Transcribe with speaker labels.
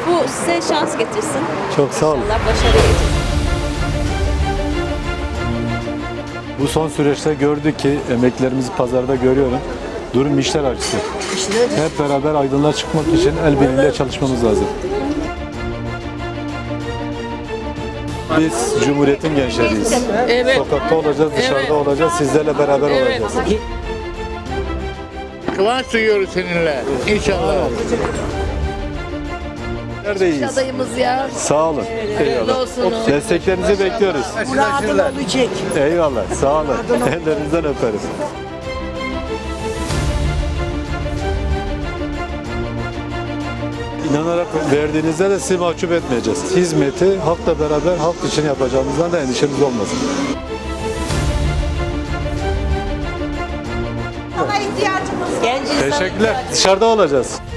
Speaker 1: Bu size şans getirsin.
Speaker 2: Çok sağ olun.
Speaker 1: İnşallah başarıya getirsin.
Speaker 2: Bu son süreçte gördük ki emeklerimizi pazarda görüyorum. Durum işler acısı. Hep beraber aydınlığa çıkmak için el birliğiyle çalışmamız lazım. Biz Cumhuriyet'in gençleriyiz.
Speaker 3: Evet.
Speaker 2: Sokakta olacağız, dışarıda
Speaker 3: Evet.
Speaker 2: olacağız, sizlerle beraber
Speaker 3: Evet.
Speaker 2: olacağız.
Speaker 4: Kıvanç duyuyoruz seninle. İnşallah.
Speaker 2: Neredeyiz?
Speaker 3: Adayımız ya.
Speaker 2: Sağ olun. Eyvallah.
Speaker 3: olsun.
Speaker 2: Desteklerinizi bekliyoruz.
Speaker 5: Muradın olacak.
Speaker 2: Eyvallah. Sağ olun. Ellerinizden öperim. İnanarak verdiğinizde de sizi mahcup etmeyeceğiz. Hizmeti halkla beraber halk için yapacağımızdan da endişemiz olmasın.
Speaker 5: Sana ihtiyacımız var.
Speaker 1: Genç insan
Speaker 2: Teşekkürler. Dışarıda olacağız.